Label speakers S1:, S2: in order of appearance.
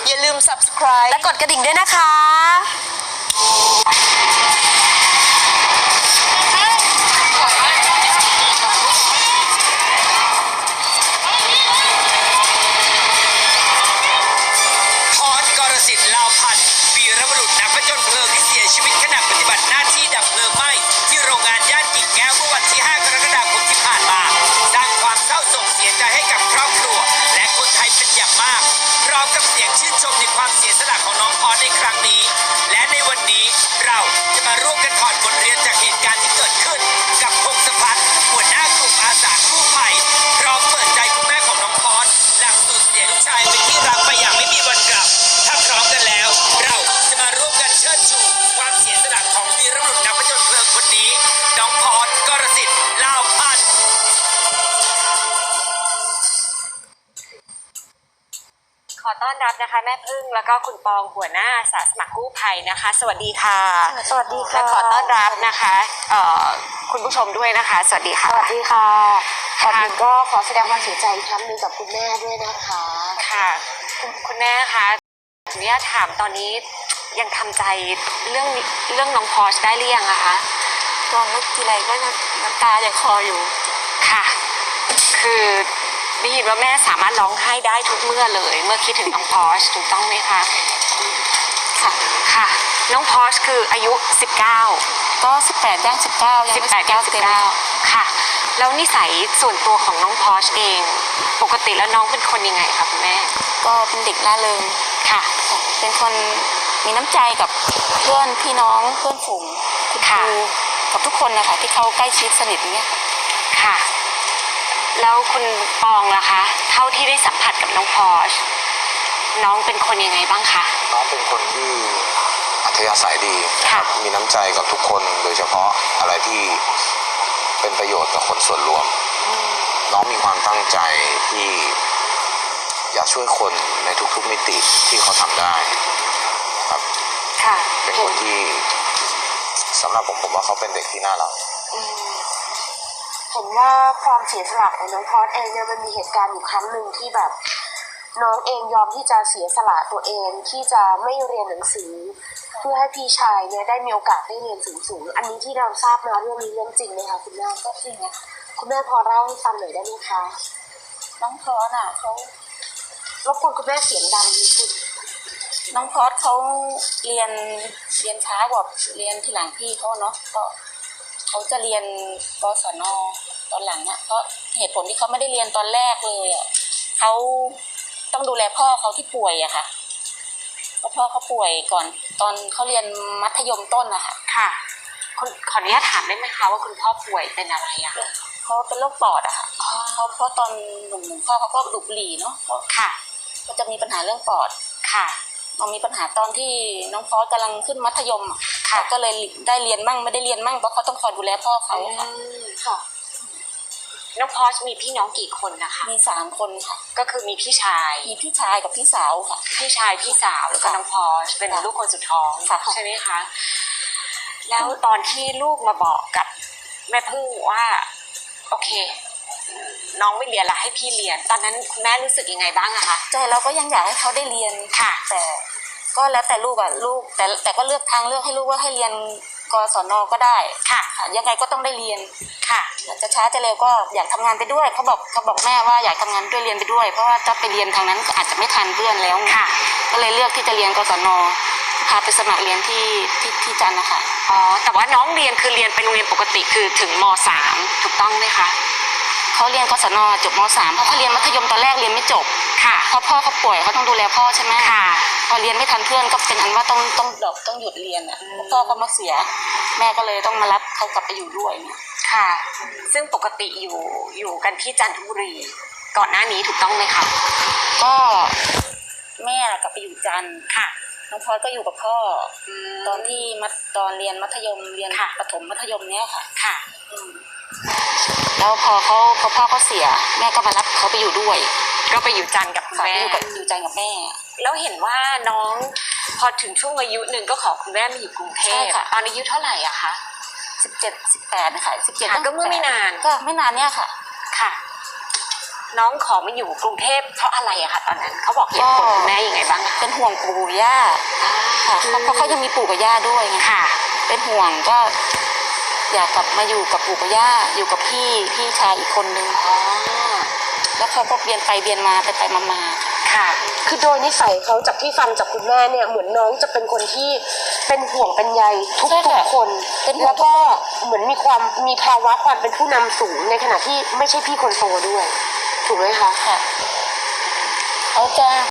S1: อย่าลืม subscribe
S2: และกดกระดิ่งด้วยนะคะ
S3: พร กรสิทธิ์ ลาวพันธ์วีรบุรุษนักผจญเพลิงที่เสียชีวิตขณะปฏิบัติหน้าที่ดับเพลิงไหม้ที่โรงงานย่านกิ่งแก้วเมื่อวันที่ 5 กรกฎาคมที่ผ่านมาสร้างความเศร้าโศกเสียใจให้กับครอบครัวและคนไทยเป็นอย่างมากพร้อมกับเสียงชื่นชมในความเสียสละของน้องพรในครั้งนี้และในวันนี้เราจะมาร่วมกันถอดบทเรียนจากเหตุการณ์ที่เกิดขึ้นกับพงศพัฒน์หัวหน้ากลุ่มอาสากู้ภัยพร้อมเปิดใจคุณแม่ของน้องพรหลังสูญเสียลูกชายเป็นที่รักไปอย่างไม่มีวันกลับถ้าพร้อมกันแล้วเราจะมาร่วมกันเชิดชูความเสียสละของวีรบุรุษนักผจญเพลิงคนนี้น้องพร กรสิทธิ์ ลาวพันธ์
S2: ขอต้อนรับนะคะแม่พึ่งแล้วก็คุณปองหัวหน้าอาสาสมัครกู้ภัยนะคะสวัสดีค่ะ
S1: สวัสดีค่ะ
S2: และขอต้อนรับนะคะคุณผู้ชมด้วยนะคะสวัสดีค่ะ
S1: สวัสดีค่ะก่อนอื่นก็ขอแสดงความเสียใจอีกครั้งหนึ่งกับคุณแม่ด้วยนะคะ
S2: ค่ะคุณแม่คะขออนุญาตถามตอนนี้ยังทำใจเรื่องน้องพอชได้หรือยังอะคะ
S1: ตอนนึกทีไรก็น้ำตาจะคลออยู่
S2: ค่ะคือได้ยินว่าแม่สามารถร้องไห้ได้ทุกเมื่อเลยเมื่อคิดถึงน้องพอชถูกต้องไหมคะค่ะค่ะน้องพอชคืออายุ19
S1: ก็18ย่าง19ยังไม่
S2: 18ย่าง19ค่ะแล้วนิสัยส่วนตัวของน้องพอชเองปกติแล้วน้องเป็นคนยังไงคะคุณแม่
S1: ก็เป็นเด็กร่าเริง
S2: ค่ะ
S1: เป็นคนมีน้ำใจกับเพื่อนพี่น้องเพื่อนฝูงคุณครูกับทุกคนนะคะที่เขาใกล้ชิดสนิทอย่างเงี้ย
S2: ค่ะแล้วคุณปองล่ะคะเท่าที่ได้สัมผัสกับน้องพอชน้องเป็นคนยังไงบ้างคะ
S4: น้องเป็นคนที่อัธยาศัยดีนะครับมีน้ำใจกับทุกคนโดยเฉพาะอะไรที่เป็นประโยชน์กับคนส่วนรวมน้องมีความตั้งใจที่อยากช่วยคนในทุกๆมิติที่เขาทำได้ครับ
S2: ค่ะ
S4: เป็นคนที่สำหรับผมว่าเขาเป็นเด็กที่น่ารัก
S1: เห็นว่าความเสียสละของน้องพอชเองเนี่ยมันมีเหตุการณ์อยู่ครั้งหนึ่งที่แบบน้องเองยอมที่จะเสียสละตัวเองที่จะไม่เรียนหนังสือเพื่อให้พี่ชายเนี่ยได้มีโอกาสได้เรียนสูงๆอันนี้ที่เราทราบมาเรื่องนี้เรื่องจริงไหมคะคุณแม่ก็จริงนะคุณแม่พอเล่าให้ฟังหน่อยได้ไหมคะน้องพอชน่ะเขารบกวนคุณแม่เสียงดังนิดนึงน้องพอชเขาเรียนช้ากว่าเรียนทีหลังพี่เขาเนาะก็เขาจะเรียนกศน.ตอนหลังอ่ะเพราะเหตุผลที่เขาไม่ได้เรียนตอนแรกเลยอ่ะเขาต้องดูแลพ่อเขาที่ป่วยอะค่ะเพราะพ่อเขาป่วยก่อนตอนเขาเรียนมัธยมต้นอะค่ะ
S2: ค่ะขออนุญาตถามได้ไหมคะว่าคุณพ่อป่วยเป็นอะไรอะ
S1: เขาเป็นโรคปอดอะค่ะเพราะตอนหนุ่มๆพ่อเขาก็ดูดบุหรี่เนาะ
S2: ค่ะ
S1: ก็จะมีปัญหาเรื่องปอด
S2: ค่ะ
S1: มันมีปัญหาตอนที่น้องพอสกำลังขึ้นมัธยมค่ะก็เลยได้เรียนมั่งไม่ได้เรียนมั่งเพราะเขาต้องคอยดูแลพ่อเขาค่ะ
S2: น้องพอชมีพี่น้องกี่คนนะคะ
S1: มี3 คนค่ะ
S2: ก็คือมีพี่ชาย
S1: กับพี่สาวค่ะ
S2: พี่ชายพี่สาวแล้วก็น้องพอชเป็นลูกคนสุดท้องใช่ไหมคะแล้วตอนที่ลูกมาบอกกับแม่พึ่งว่าโอเคน้องไม่เรียนละให้พี่เรียนตอนนั้นคุณแม่รู้สึกยังไงบ้างอะคะ
S1: ใจเราก็ยังอยากให้เขาได้เรียน
S2: ค่ะ
S1: แต่ก็แล้วแต่ลูกแต่ก็เลือกทางเลือกให้ลูกว่าให้เรียนกศน.ก็ได้
S2: ค่ะ
S1: ยังไงก็ต้องได้เรียน
S2: ค่ะ
S1: จะช้าจะเร็วก็อยากทำงานไปด้วยเขาบอกแม่ว่าอยากทำงานด้วยเรียนไปด้วยเพราะว่าถ้าไปเรียนทางนั้นอาจจะไม่ทันเพื่อนแล้ว
S2: ค่ะ
S1: ก็เลยเลือกที่จะเรียนกศน.พาไปสมัครเรียนที่จันทร์นะคะ
S2: อ๋อแต่ว่าน้องเรียนคือเรียนเป็นโรงเรียนปกติคือถึงม.3 ถูกต้องไหมคะ
S1: เขาเรียนกศน.จบม.3 เพราะเขาเรียนมัธยมตอนแรกเรียนไม่จบ
S2: ค่ะ
S1: เพราะพ่อเขาป่วยเขาต้องดูแลพ่อใช่ไหม
S2: ค่ะ
S1: พอเรียนไม่ทันเพื่อนก็เป็นอันว่าต้องหยุดเรียนอ่ะพ่อก็มาเสียแม่ก็เลยต้องมารับเขากลับไปอยู่ด้วยเนี่ย
S2: ค่ะซึ่งปกติอยู่กันที่จันทบุรีก่อนหน้านี้ถูกต้องไหมคะ
S1: ก็แม่กลับไปอยู่จันทร์
S2: ค่ะ
S1: น้องพอสก็อยู่กับพ่อตอนที่ตอนเรียนมัธยมเรียนประถมมัธยมเนี้ยค่ะ
S2: ค่ะ
S1: แล้วพอพ่อเขาเสียแม่ก็มารับเขาไปอยู่ด้วย
S2: ก็ไปอยู่จันทร์กับคุณแม่
S1: อยู่จันทร์กับแม่
S2: แล้วเห็นว่าน้องพอถึงช่วงอายุหนึ่งก็ขอคุณแม่มาอยู่กรุงเทพตอนอายุเท่าไหร่อะคะ
S1: 17-18นะคะ17
S2: ก็เมื่อไม่นาน
S1: เนี่ยค่ะ
S2: ค่ะน้องขอมาอยู่กรุงเทพเพราะอะไรอะคะตอนนั้นเขาบอกเหตุผลคุณแม่ยังไงบ้าง
S1: เป็
S5: เป็นห่วงปู่ย่าค่ะเพราะเขายังมีปู่กับย่าด้วยไง
S2: ค่ะ
S5: เป็นห่วงก็อยากกลับมาอยู่กับปู่กับย่าอยู่กับพี่ชายอีกคนนึง
S2: อ๋อ
S5: แล้วเขาก็เบียนไปเบียนมาไปมา
S2: ค่ะ
S1: คือโดยนิสัยเขาจากที่ฟังจากคุณแม่เนี่ยเหมือนน้องจะเป็นคนที่เป็นห่วงเป็นใยทุกคน แล้วก็เหมือนมีภาวะความเป็นผู้นำสูงในขณะที่ไม่ใช่พี่คนโตด้วย ถูกไหมคะ
S5: ค่ะเขาจะ